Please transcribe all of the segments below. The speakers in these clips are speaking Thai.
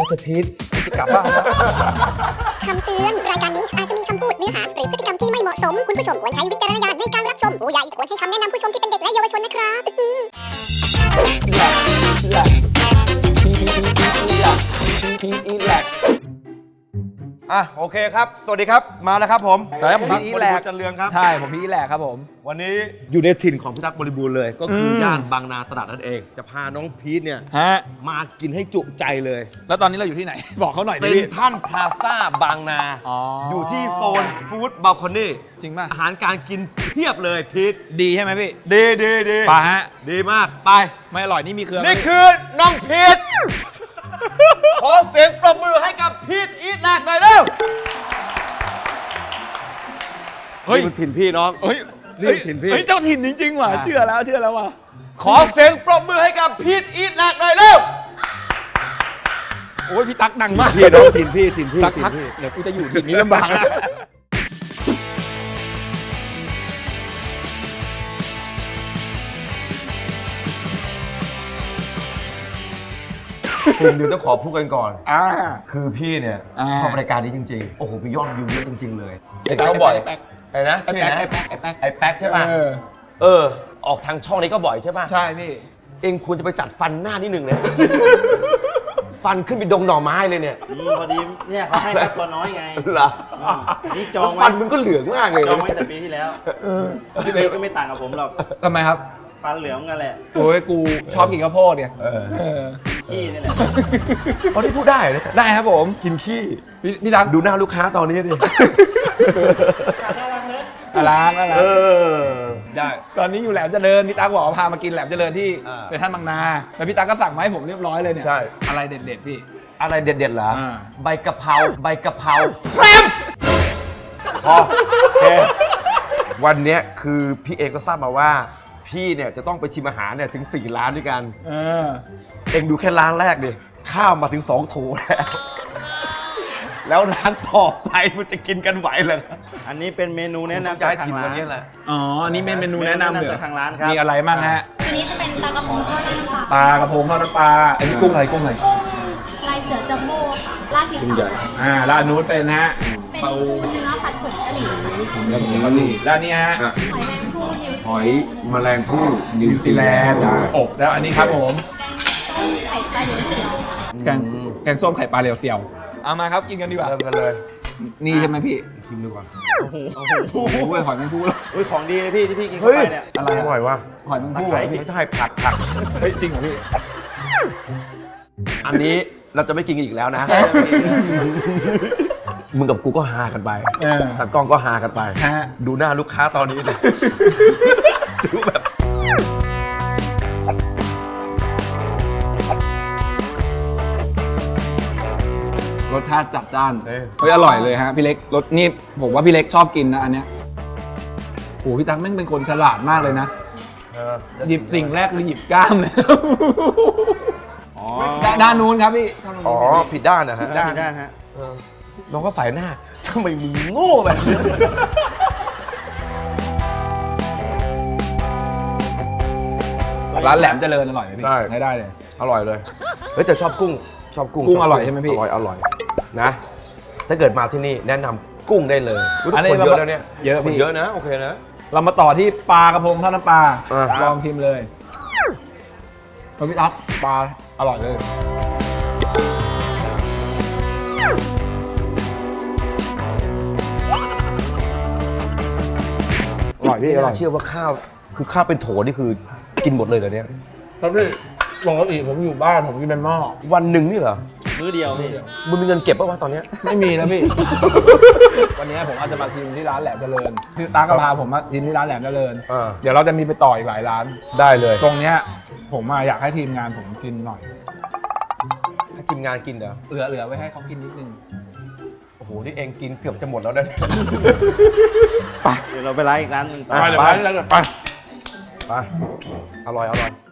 จะพีทจะกลับบ้านแล้วคำเตือน รายการนี้อาจจะมีคำพูดเนื้อหาหรือพฤติกรรมที่ไม่เหมาะสม คุณผู้ชมควรใช้วิจารณญาณในการรับชมผู้ใหญ่ควรให้คำแนะนำผู้ชมที่เป็นเด็กและเยาวชนนะครับโอเคครับ สวัสดีครับ มาแล้วครับผมครับผมพีทอีทแหลกจันเรืองครับใช่ผมพีทแหลกครับผมวันนี้อยู่ในถิ่นของพี่ตั๊กบริบูรณ์เลย ก็คือย่านบางนาตราดนั่นเอง จะพาน้องพีทเนี่ยฮะมากินให้จุใจเลยแล้วตอนนี้เราอยู่ที่ไหน บอกเขาหน่อยเซ็ดินพี่ทรัลพลาซ่าบางนาอ๋ออยู่ที่โซนฟู้ดบาลคอนี่จริงป่ะอาหารการกินเพียบเลยพีทดีใช่ไหมพี่ดีดีไปฮะดีมาก ไปไม่อร่อยนี่มีเครื่องนี่คือน้องพีท ขอเสียงปรบมือให้กับพีทอีทแรกหน่อยเร็วเฮ้ยนี่คือถิ่นพี่น้องเฮ้ยนี่ถิ่นพี่เฮ้ยเจ้าถิ่นจริงๆว่ะเชื่อแล้วว่ะขอเสียงปรบมือให้กับพีทอีทแรกหน่อยเร็วโอ้ยพี่ตั๊กดังมากพี่น้องถิ่นพี่ถิ่นพี่สักถิ่นพักพี่เดี๋ยวกูจะอยู่ถิ่นนี้ลำบากแล้วสิ่งหนึ่งต้องขอพูดกันก่อนอ่าคือพี่เนี่ยอ่าชอบรายการนี้จริงๆ โอ้โหมียอดวิวเยอะจริงๆเลยไอ้เห็นแป๊กเขาบ่อยไอ้แป๊กไอ้นะชื่อนะไอ้แป๊กไอ้แป๊กใช่ป่ะเออออกทางช่องนี้ก็บ่อยใช่ป่ะใช่พี่เองควรจะไปจัดฟันหน้านิดหนึ่งเลย ฟันขึ้นไปดงหน่อไม้เลยเนี่ยพอดีเนี่ยเขาให้แค่ตัวน้อยไงเหรอนี่จอแล้วงฟัไว้นมึงก็เหลืองมากเลยจองไว้แต่ปีที่แล้วพี่เบลก็ไม่ต่างกับผมหรอกทำไมครับฟันเหลืองกันแหละโอ้ยกูชอบกินข้าวโพดเนี่ยเออเออขี้นี่แหละเขาที่พูดได้เลยได้ครับผมกินขี้พี่ตั๊กดูหน้าลูกค้าตอนนี้ดิล้างแล้วเออ ได้ตอนนี้อยู่แหลมเจริญพี่ตั๊กบอกว่าพามากินแหลมเจริญที่อ่าเป็นท่านบางนาแล้วพี่ตั๊กก็สั่งมาให้ผมเรียบร้อยเลยเนี่ยใช่อะไรเด็ดๆพี่อะไรเด็ดๆเหรออ่าใบกะเพราใบกะเพราแพรมพอโอเควันเนี้ยคือพี่เองก็ทราบมาว่า พี่เนี่ยจะต้องไปชิมอาหารเนี่ยถึง 4 ร้านด้วยกันเออเองดูแค่ร้านแรกดิข้าวมาถึง2 โถแล้ว แล้วร้านต่อไปมันจะกินกันไหวเหรออันนี้เป็นเมนูแนะนำจาจาก กทีทาม งวัร้าน นนี้แหละอ๋ออันนี้เป็นเมนูแนะนำเหรอจากทางร้านครับมีอะไรบ้างฮะอันนี้จะเป็นปลากระพงทอดน้ำปลาปลากระพงทอดน้ำปลาอันนี้กุ้งอะไรกุ้งอะไรกุ้งลายเสือจัมโบ้ค่ะราดพริกสองแล้วอันนู้นเป็นฮะเป็นปูเนื้อผัดผงกะหรี่แล้วผมก็นี่แล้วอันนี่ฮะหอยแมงผู้นิวหอยแมลงภู่นิวซีแลนด์อบแล้วอันนี้ครับผมแกงส้มไข่ปลาเดียวเสียวแกงส้มไข่ปลาเรียวเซียวเอามาครับกินกันดีกว่าเริ่มกันเลยนี่ใช่ไหมพี่ชิมดูก่อนโอ้โหโอ้โหหอยแมงผู้แล้วอุ้ยของดีเลยพี่ที่พี่กินเข้าไปเนี่ยอะไรอร่อยว่ะหอยแมงผู้ตะไคร้ไม่ใช่ผัดเฮ้ยจริงเหรอพี่อันนี้เราจะไม่กินกันอีกแล้วนะ มึงกับกูก็ฮากันไปเออตากล้องก็ฮากันไปฮะดูหน้าลูกค้าตอนนี้เลย ดูแบบรสชาติจัดจ้านเฮ้ยอร่อยเลยฮะพี่เล็กรสนี่ผมว่าพี่เล็กชอบกินนะอันเนี้ยโอ้พี่ตั๊กแม่งเป็นคนฉลาดมากเลยนะ หยิบสิ่งแรกคือหยิบกล้ามเลยอ๋อด้านนู้นครับพี่อ๋อ ผิดด้านนะฮะได้ฮะน้องก็ใส่หน้าทำไมมึงโง่แบบนี้ร้านแหลมเจริญอร่อยไหมพี่ได้ได้เลยอร่อยเลย เฮ้ยแต่ชอบกุ้ง ชอบกุ้งกุ้งอร่อยใช่ไหมพี่อร่อยนะ ถ้าเกิดมาที่นี่แนะนำกุ้งได้เลยอุ๊ยอันนี้คนเยอะแล้วเนี่ยเยอะคนพี่เยอะนะ โอเคนะเรามาต่อที่ปลากระพงทอดน้ำปลาอ่าลองชิมเลยพี่ตั๊กปลาอร่อยเลยอร่อยพี่อร่อยเชื่อว่าข้าวคือข้าวเป็นโถนี่คือกินหมดเลยเหรอเนี่ยครับพี่ปกติผมอยู่บ้านผมกินเป็นหม้อวันหนึ่งนี่เหรอมื้อเดียวพี่มึงมีเงินเก็บป่าวะตอนเนี้ยไม่มีนะพี่ วันนี้ผมอาจจะมาชิมที่ร้านแหลมเจริญพี่ตากระพาผมมาชิมที่ร้านแหลมเจริญอ่าเดี๋ยวเราจะมีไปต่ออีกหลายร้านได้เลยตรงเนี้ยผมอยากให้ทีมงานผมกินหน่อยให้ทีมงานกินเหรอเหลือไว้ให้เขากินนิดนึงโอ้โห นี่เองกินเกือบจะหมดแล้วนะเดี๋ยวเราไปร้านอีกร้านหนึงต่อไปเดี๋ยวไปเดี๋ยวไปไป อร่อย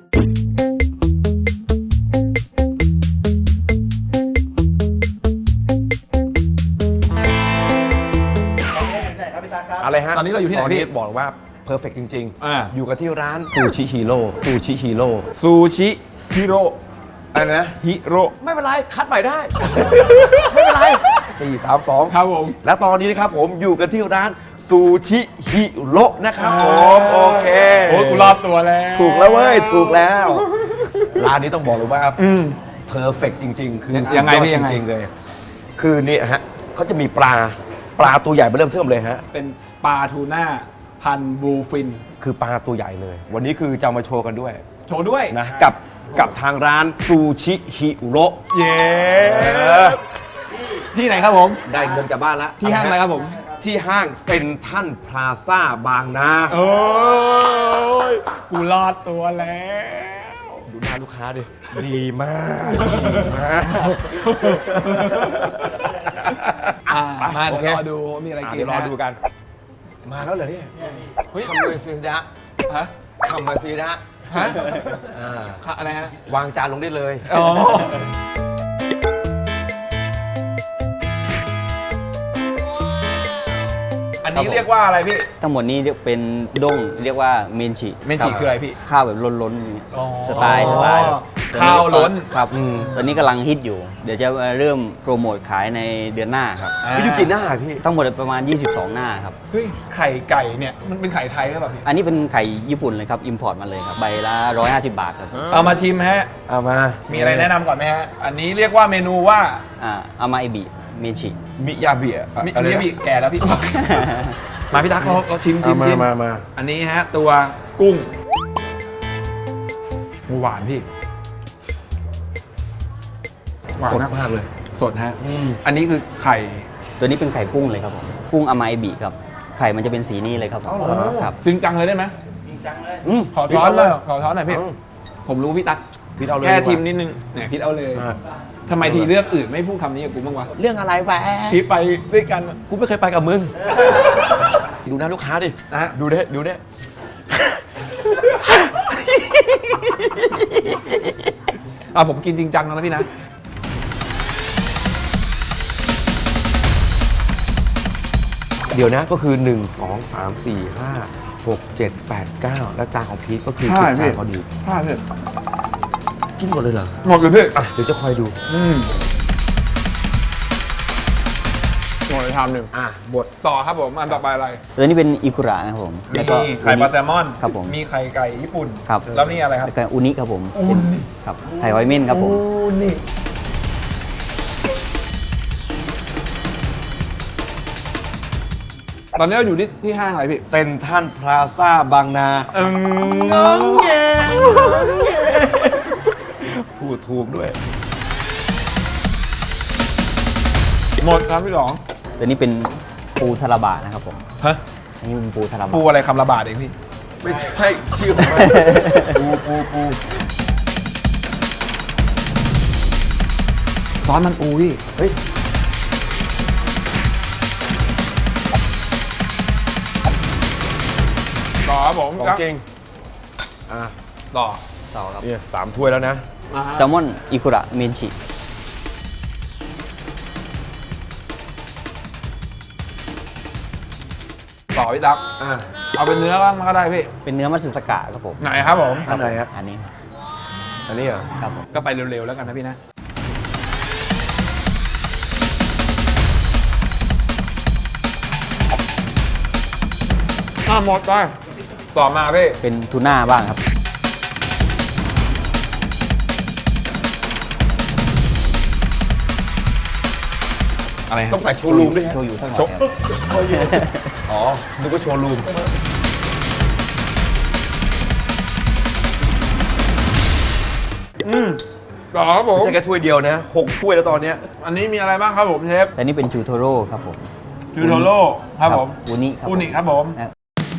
ได้ครับพี่ตาครับอะไรฮะตอนนี้เราอยู่ที่ไหนตอนนี้พี่บอกว่าเพอร์เฟกจริงอ่าอยู่กันที่ร้านซูชิฮีโร่ซูชิฮีโร่ซูชิฮิโร่อะไรนะฮิโร่ไม่เป็นไร คัดใหม่ได้ ไม่เป็นไร4 3 2 ครับผมและตอนนี้นะครับผมอยู่กันที่ร้านซูชิฮิโร่นะครับผม โอเคโอ้ยกูรอดตัวแล้วถูกแล้วเว้ย ถูกแล้ว ร้านนี้ต้องบอกเลยว่าเพอร์เฟกจริง ๆ คือยังไงสุดพี่ยยัอดงไงจริง ๆ เลย คือนี่ฮะเขาจะมีปลาตัวใหญ่มาเริ่มเทิมเลยฮะเป็นปลาทูน่าพันบลูฟินคือปลาตัวใหญ่เลย วันนี้คือจะเอามาโชว์กันด้วยโชว์ด้วยนะกับทางร้านซูชิฮิโร่เย้ที่ไหนครับผมได้เงินจากบ้านแล้วที่ห้างอะไรครับผมที่ห้างเซ็นทรัลพลาซ่าบางนาโอ้ยกูรอดตัวแล้วดูหน้าลูกค้าดิ ดีมากดีมากมาโอเดี๋ยวเครอดูว่ามีอะไรกินเดี๋ยวรอดูกัน มาแล้วเหรอเนี่ยคำเลยซีดะฮะคำมาซีดะฮะอ่าค่ะอะไรฮะวางจานลงได้เลยอ๋อ อันนี้เรียกว่าอะไรพี่ทั้งหมดนี้เป็นด้งเรียกว่าเมนชิเมนชิคืออะไรพี่ข้าวแบบล้นๆอย่างนี้อ๋อสไตล์ข้าวล้นครับตอนนี้กำลังฮิตอยู่ เดี๋ยวจะเริ่มโปรโมทขายในเดือนหน้าครับพี่ยูกี่หน้าพี่ทั้งหมดประมาณ 22 หน้าครับเฮ้ย ไข่ไก่เนี่ย มันเป็นไข่ไทยหรือเปล่าพี่อันนี้เป็นไข่ญี่ปุ่นเลยครับ อิมพอร์ตมาเลยครับ ใบละ 150 บาทครับเอามาชิมฮะเอามามีอะไรแนะนำก่อนไหมฮะ อันนี้เรียกว่าเมนูว่าอามาเอบิเมนชิมิยาเบียมิอะไรมินะบิแก่แล้วพี่ มาพี่ตั๊กเราชิมเอามาชิมมาอันนี้ฮะ ตัวกุ้งหวานพี่ หวานสดมากมากเลยสดฮะ อันนี้คือไข่ตัวนี้เป็นไข่กุ้งเลยครับผม กุ้งอามาเอบิครับ ไข่มันจะเป็นสีนี้เลยครับผมครับจริงจังเลยได้ไหมอืมขอช้อนเลยขอช้อนหน่อยพี่ ผมรู้พี่ตั๊กพี่เอาเลยแค่ดีกว่าชิมนิดนึงเนี่ยพี่เอาเลยอ่าทำไมทีเลือกอื่นไม่พูดคำนี้กับกูบ้างวะเรื่องอะไรแหวะพี่ไปด้วยกันกูไม่เคยไปกับมึง ดูหน้าลูกค้าดินะดูเด้ดูเด้ผมกินจริงจังแล้วนะพี่นะเดี๋ยวนะก็คือ 1 2 3 4 5 6 7 8 9 แล้วจานของพีทก็คือใช่ 10 จานพอดีพลาดเลยกินหมดเลยเหรอหมดเลยพี่อ่ะ เดี๋ยวจะคอยดูหมดเลยชามหนึ่งอ่ะหมดต่อครับผม อันต่อไปอะไรตัวนี้เป็นอิคุระนะครับผมมีแล้วก็ไข่ปลาแซลมอนครับผมมีไข่ไก่ญี่ปุ่นครับแล้วนี่อะไรครับแล้วก็อุนิครับผมอุนิครับ ไข่หอยเม่นครับผมนี่ตอนนี้เราอยู่ที่ห้างอะไรพี่เซ็นทรัลพลาซ่าบางนาน้องแงพูดถูกด้วยหมดครับพี่หลองตัวนี้เป็นปูทาราบะนะครับผมฮะอันนี้เป็นปูทาราปูบะอะไรคำละบาทเองพี่ไม่ใช่ชื่อของมันปูซอสมันปูพี่เฮ้ยต่อครับผมของจริง อ่ะต่อต่อครับเนี่ย3 ถ้วยแล้วนะมาฮะแซลมอนอิคุระเมนชิต่อพี่ตั๊กอ่ะเอาเป็นเนื้อบ้างก็ได้พี่เป็นเนื้อมัตสึสกะครับผมไหนครับผมอันไหนครับอันนี้อันนี้เหรอครับผมก็ไปเร็วๆแล้วกันนะพี่นะ หมดไปต่อมาพี่เป็นทูน่าบ้างครับอะไรต้องใส่โชว์รูมด้วยโชยุสักหน่อยโชครับอ๋อ นึกว่าโชว์รูมต่อครับผมไม่ใช่แค่ถ้วยเดียวนะ6 ถ้วยแล้วตอนเนี้ยอันนี้มีอะไรบ้างครับผมเชฟและนี่เป็นชูโทโร่ครับผมจูโทโร่ครับผมอุนิครับอุนิครับผมนะ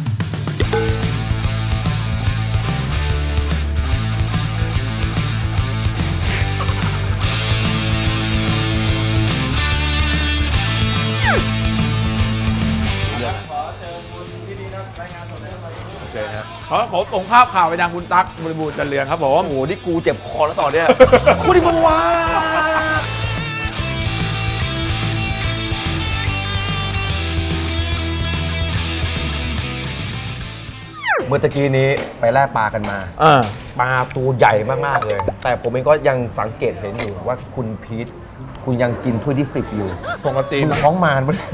ขอส่งภาพข่าวไปยังคุณตั๊กบริบูรณ์จันเรืองครับผมโอ้โห นี่กูเจ็บคอแล้วตอนเนี้ย คุณดิบวาเมื่อตะกี้นี้ไปแล่ปลากันมา ปลาตัวใหญ่มากๆเลย แต่ผมเองก็ยังสังเกตเห็นอยู่ว่าคุณพีทคุณยังกินถ้วยที่ 10 อยู่ปกติคุณท้องมารปะเนี่ย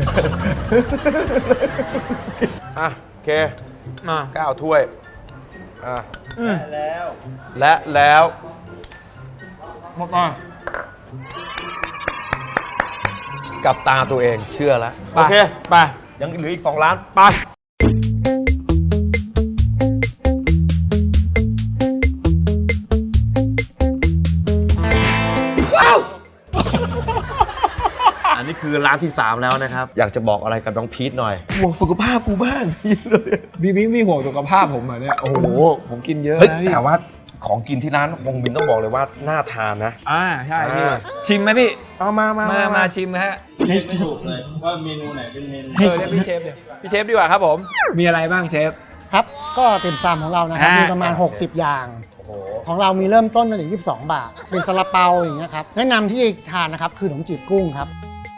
อ่ะโอเคมา 9 ถ้วยอ่ะแล้วและแล้วหมดมากับตาตัวเองเชื่อแล้ว โอเคไปยังเหลืออีก 2 ล้านไปอันนี้คือร้านที่ 3 แล้วนะครับ อยากจะบอกอะไรกับน้องพีทหน่อยห่วงสุขภาพกูบ้างมีห่วงสุขภาพผมเหรอเนี่ย โอ้โห ผมกินเยอะเฮ้ยนะพี่แต่ว่าของกินที่ร้านฮงมินต้องบอกเลยว่าน่าทานนะใช่พี่อ่าชิมไหมพี่เอามาชิมนะฮะเรียกไม่ถูกเลยว่าเมนูไหนเป็นเมนูเรียกพี่เชฟเดี๋ยวพี่เชฟดีกว่าครับผม มีอะไรบ้างเชฟครับก็ติ่มซำของเรานะครับฮะมีประมาณ 60 อย่างโอ้โหของเรามีเริ่มต้นตั้งแต่22 บาท เป็นซาลาเปาอย่างเงี้ยครับแนะนำที่ทานนะครับคือขนมจีบกุ้งครับ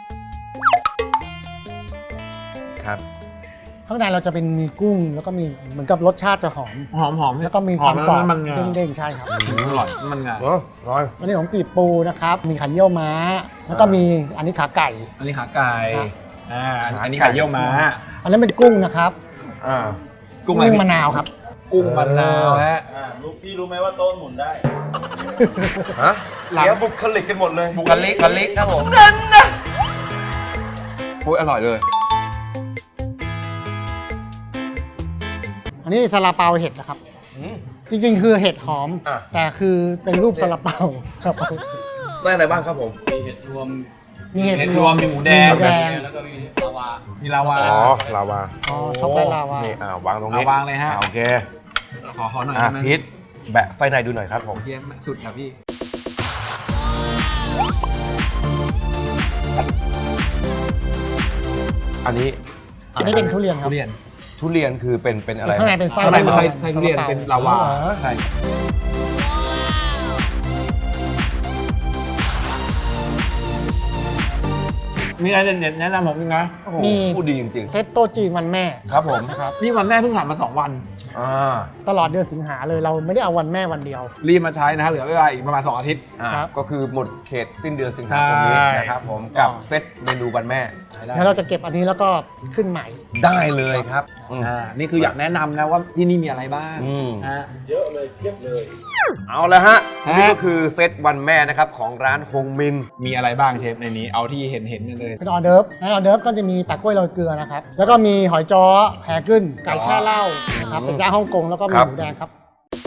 ครับข้างในเราจะเป็นมีกุ้ง แล้วก็มีเหมือนกับรสชาติจะหอมหอมแล้วก็มีความกรอบมันงาเด้งๆใช่ครับอร่อยมันงาโอ้ร้อยอันนี้ของปีบปูนะครับ มีไข่เยี่ยวม้า แล้วก็มีอันนี้ขาไก่อันนี้ขาไก่ครับอันนี้ไข่เยี่ยวม้าอันนั้นเป็นกุ้งนะครับอ่ากุ้งอะไรกุ้งพี่มะนาวครับกุ้งมะนาวฮะพี่รู้ไหมว่าโต๊ะหมุนได้ฮะเสียบุคลิกกันหมดเลยบุกะลิครับผมนั่นนะโอ้ยอร่อยเลยอันนี้ซาลาเปาเห็ดนะครับ จริงๆ คือเห็ดหอมอ่ะแต่คือเป็นรูปซาลาเปาครับไส้อะไรบ้างครับผมมีเห็ดเห็ดรวมมีหมูแดงหมูแดงมีลาวาอ๋อ ลาวาอ๋อช็อกโกแลตลาวานี่วางตรงนี้วางเลยฮะโอเคขอหน่อยอ่ะได้ไหมพีทแบะไส้ในดูหน่อยครับผมเยี่ยมสุดครับพี่อันนี้อันนี้เป็นทุเรียนครับทุเรียนทุเรียนคือเป็นอะไรข้างในเป็นไส้ข้างในเป็นไส้ซาลาปาทุเรียนเป็นลาวาอ๋อใช่มีอะไรเด็ดๆแนะนำผมอีกนะโอ้โหมีพูดดีจริงเซตโต๊ะจีนวันแม่ๆ ครับผมนะครับนี่วันแม่เพิ่งผ่านมา2 วันอ่าตลอดเดือนสิงหาเลยเราไม่ได้เอาวันแม่วันเดียวรีบมาใช้นะฮะเหลือเวลาอีกประมาณ2 อาทิตย์ครับก็คือหมดเขตสิ้นเดือนสิงหาคมนี้ใช่นะครับผมกับเซตเมนูวันแม่แล้วเราจะเก็บอันนี้แล้วก็ขึ้นใหม่ได้เลยครับอืมนี่คืออยากแนะนำนะว่าที่นี่มีอะไรบ้างอืมฮะเอาละฮะฮะนี่ก็คือเซตวันแม่นะครับของร้านฮงมินมีอะไรบ้างเชฟในนี้เอาที่เห็นกันเลยเป็นออเดิร์ฟในออเดิร์ฟก็จะมีแปะกล้วยโรยเกลือนะครับ แล้วก็มีหอยจ้อแผ่กึ้นไก่แช่เหล้านะครับ เป็นย่างฮ่องกงแล้วก็มีครับหมูแดงครับ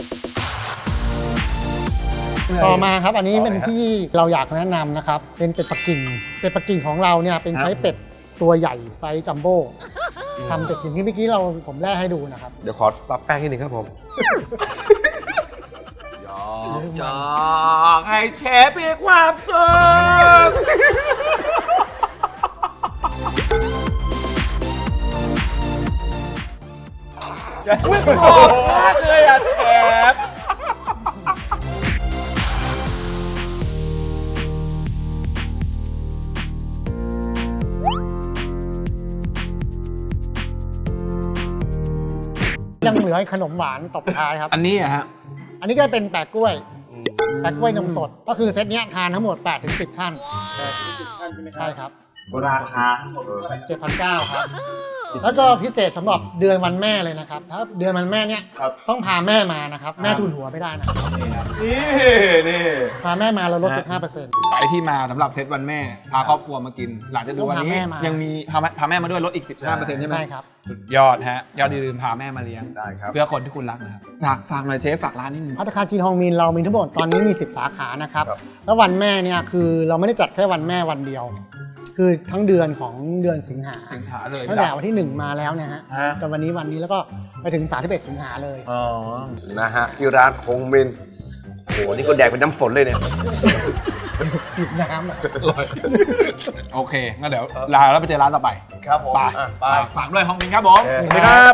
ต่อมาครับอันนี้เป็นที่เราอยากแนะนำนะครับ เป็นเป็ดปักกิ่ง เป็ดปักกิ่งของเราเนี่ยเป็นใช้เป็ดตัวใหญ่ไซส์จัมโบ้ทำเป็ดอย่างที่เมื่อกี้ผมแล่ให้ดูนะครับเดี๋ยวขอซับแป้งนิดนึงครับผมอยากให้เชฟมีความสุขขอบมากเลยอ่ะเชฟยังเหลือขนมหวานตบท้ายครับอันนี้อะฮะอันนี้ก็เป็นแปะกล้วย แปะกล้วยนมสด ก็คือเซตเนี้ยทานทั้งหมด 8-10 ท่านใช่ครับราคา 7,900 ครับ แล้วก็พิเศษสำหรับเดือนวันแม่เลยนะครับ ถ้าเดือนวันแม่เนี่ยต้องพาแม่มานะครับ แม่ทุนหัวไม่ได้นะครับนี่พาแม่มาเราลด 15% ใครที่มาสำหรับเซตวันแม่ พาครอบครัวมากิน หลังจากดูวันนี้ต้องพาแม่มายัยังมีพาแม่มาด้วยลดอีก 15%ใช่ไหมใช่ครับสุดยอดฮะยอดอย่าลืมพาแม่มาเลี้ยงได้ครับเพื่อคนที่คุณรักนะครับฝากหน่อยเชฟฝากร้านนิดนึงภัตตาคารจีนฮองมินเรามีทั้งหมดตอนนี้มี 10 สาขานะครับครับแล้ววันแม่เนี่ยคือเราไม่ได้จัดแค่วันแม่วันเดียว คือทั้งเดือนของเดือนสิงหาสิงหาเลยตั้งแต่วันที่ 1 มาแล้วนะฮะฮะจนวันนี้แล้วก็ไปถึง31สิงหาเลยอ๋อนะฮะที่ร้านฮงมินโหนี่ก็แดกเป็นน้ำฝนเลยเนี่ยจิบน้ำอะโอเคงั้นเดี๋ยวลาแล้วไปเจอร้านต่อไปครับผมไปอ่ะไปฝากด้วยฮองมินครับผมเออสวัสดีครับ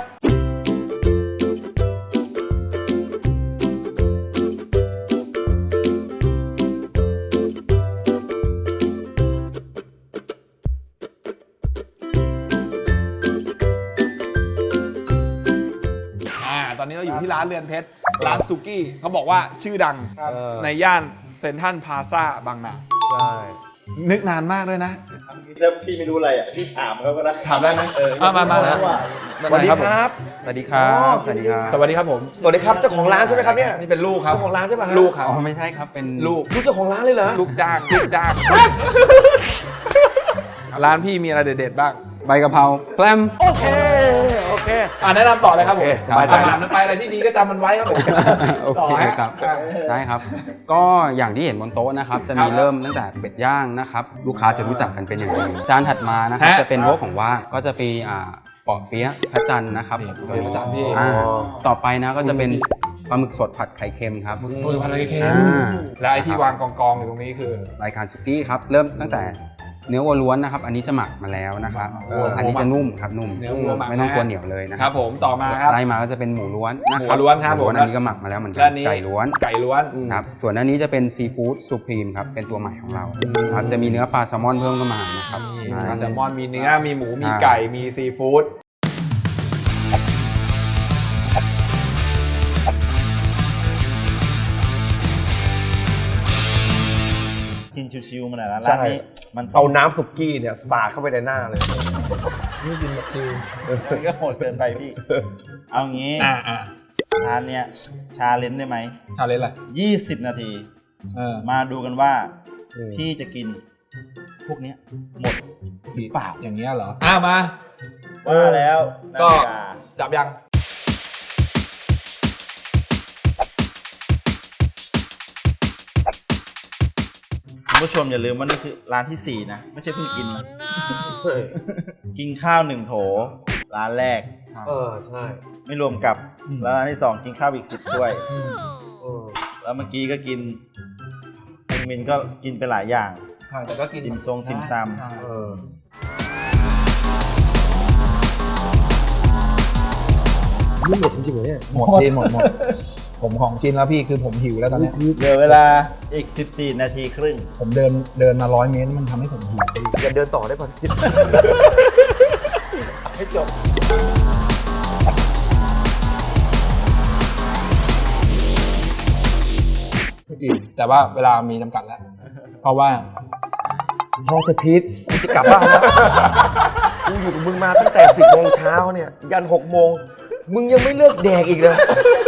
ตอนนี้ที่ร้านเรือนเพชรร้านสุกี้เขาบอกว่าชื่อดังในย่านเซ็นทรัลพลาซ่าบางนาใช่นึกนานมากด้วยนะถ้าพี่ไม่รู้อะไรอ่ะพี่ถามเขาก็ได้ถามได้ไหมมาสวัสดีครับสวัสดีครับสวัสดีครับสวัสดีครับผมสวัสดีครับเจ้าของร้านใช่ไหมครับเนี่ยนี่เป็นลูกครับเจ้าของร้านใช่ไหมลูกครับอ๋อไม่ใช่ครับเป็นลูกลูกเจ้าของร้านเลยเหรอลูกจ้างร้านพี่มีอะไรเด็ดๆบ้างใบกะเพราแกล้มโอเคโอเคแนะนำต่อเลยครับผมโอเคสบายใจอาหารมันไปอะไรที่ดีก็จำมันไว้ครับผมโอต่อเคฮะครับได้ครับ ก็อย่างที่เห็นบนโต๊ะนะครับ จะมีเริ่มตั้งแต่เป็ดย่างนะครับ ลูกค้าจะรู้จักกันเป็นอย่างดีจานถัดมานะครับ จะเป็นพวกของว่างก็จะมีปอเปี๊ยะพระจันทร์นะครับนี่เป็นประจำพี่ต่อไปนะก็จะเป็นปลาหมึกสดผัดไข่เค็มครับตัวพันธุ์เค็มอ่าและไอที่วางกองๆอยู่ตรงนี้คือรายการสุกี้ครับ เริ่มตั้งแต่เนื้อวัวล้วนนะครับ อันนี้จะหมักมาแล้วนะครับ อันนี้จะนุ่มครับนุ่มเนื้อวัวหมักไม่ต้องกลัวเหนียวเลยนะคครัรับบ ผมต่อมาครับไล่มาก็จะเป็นหมูล้วนนะหมูล้วนครับหมูล้วนผมอันนี้ก็หมักมาแล้วเหมือนกัและอันนี้ไก่ล้วนไก่ล้วนครับส่วนอันนี้จะเป็นซีฟู้ดสุพรีมครับเป็นตัวใหม่ของเราครับจะมีเนื้อปลาแซลมอนเพิ่มเข้ามานะครับมีใช่แซลมอนมีเนื้อมีหมูมีใช่ไก่มีซีฟู้ดกินชิวๆมาหน่อยนะใช่ร้านนี้มันเอาน้ำสุกี้เนี่ยสาดเข้าไปในหน้าเลยนี่กินแบบชิลมันก็โหดเกินไปพี่ เอางี้ร้านเนี้ยชาเลนจ์ได้ไหมทานเลยอะไร 20 นาทีมามาดูกันว่าอืมพี่จะกิน พวกเนี้ยหมด เปล่าอย่างเงี้ยเหรอมาว่าแล้วก็นาฬิกาจับยังคุณผู้ชมอย่าลืมว่านี่คือร้านที่ 4 นะ ไม่ใช่เพิ่งกินนะ กินข้าว 1 โถ ร้านแรกใช่ไม่รวมกับแล้วร้านที่ 2 กินข้าวอีก 10 ถ้วย แล้วเมื่อกี้ก็กินมินก็กินไปหลายอย่างแต่ก็กินติ่มซงติ่มซำนี่หมดจริงๆเหรอเนี่ยหมดจริงหมดผมของจริงแล้วพี่คือผมหิวแล้วตอนเนี้ยเหลือเวลาอีก 14 นาทีครึ่งผมเดินมา100 เมตรมันทำให้ผมหิวอย่าเดินต่อได้ป่ะให้จบอิ่มแต่ว่าเวลามีจำกัดแล้ว เพราะว่าพอจะพีทกูจะกลับบ้านแล้ว กูอยู่กับมึงมาตั้งแต่ 10 โมงเช้าเนี่ย ยัน 6 โมง มึงยังไม่เลิกแดกอีกเลย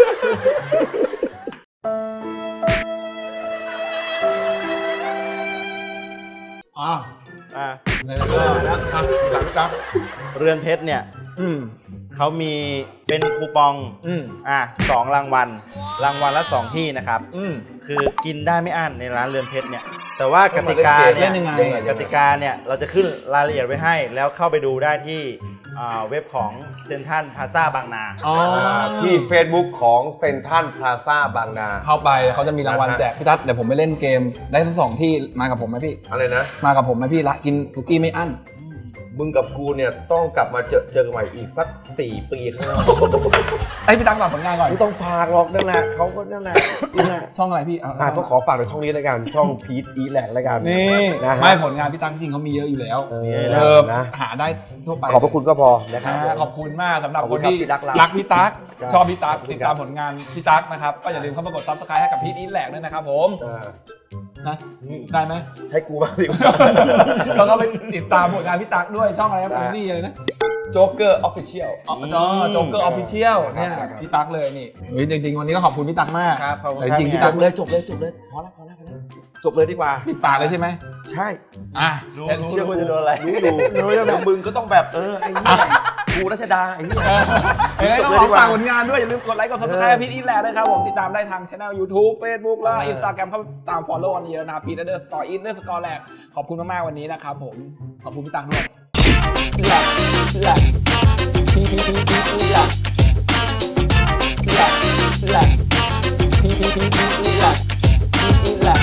ในนั้นก็หลังจากเรือนเพชรเนี่ยเขามีเป็นคูปอง2 รางวัล รางวัลละ 2 ที่นะครับ คือกินได้ไม่อั้นในร้านเรือนเพชรเนี่ย แต่ว่ากติกาเล่เนี่ยนยังไงกติกาเนี่ยเราจะขึ้นรายละเอียดไว้ให้ แล้วเข้าไปดูได้ที่เว็บของเซ็นทรัลพลาซ่าบางนาที่ Facebook ของเซ็นทรัลพลาซ่าบางนาเข้าไปเขาจะมีรางวัลแจกพี่ทัศน์เดี๋ยวผมไปเล่นเกมได้ทั้ง 2 ที่มากับผมไหมพี่อะไรนะมากับผมไหมพี่ละกินคุกกี้ไม่อั้นมึงกับกูเนี่ยต้องกลับมาเจอกันใหม่อีกสัก 4 ปีข้างหน้าไอ้พี่ตั๊กฝากผลงานก่อนไม่ต้องฝากหรอกนั่นแหละเขาก็นั่นแหละนี่แหละช่องอะไรพี่ต้องขอฝากในช่องนี้แล้วกัน ช่องพีทอีแลกแล้วกันนี่นะฮะไม่ผลงานพี่ตั๊กจริงเขามีเยอะอยู่แล้วนะหาได้ทั่วไปขอบพระคุณก็พอนะครับขอบคุณมากสำหรับขอบคคุนณครับที่ที่รักเรารักพี่ตั๊กใช่ชอบพี่ตั๊กขอบคุณติดตามผลงานพี่ตั๊กนะครับก็อย่าลืมเข้ามากด Subscribe ให้กับพีทอีทแหลกด้วยนะครับผมนะได้ไหมให้กูบ้างดิแล้วก็ไปติดตามผลงานพี่ตั๊กด้วยช่องอะไรครับคุณนี่เลยนะโจ๊กเกอร์ออฟฟิเชียลโจ๊กเกอร์ออฟฟิเชียลเนี่ยพี่ตั๊กเลยนี่จริงๆวันนี้ก็ขอบคุณพี่ตั๊กมากครับขอบคุณแต่ครับจริงๆพี่จตั๊กบเลยจบเลยพอแล้วจบเลยดีกว่าปิดปากเลยใช่ไหมใช่รู้เชื่อว่าจะโดนอะไรรู้อยู่แล้วมึงก็ต้องแบบไอ้นี่กูรัชดาไอ้นี่ต้องขอฝากผลงานด้วยอย่าลืมกดไลค์กด Subscribe พีทอีทแหลกด้วยครับผมติดตามได้ทางช่อง YouTube Facebook และ Instagram เข้าตาม follow กันเยอะนะครับพีท__อีท_แหลกขอบคุณมากๆวันนี้นะครับผมขอบคุณพี่ตั๊กด้วยแหลก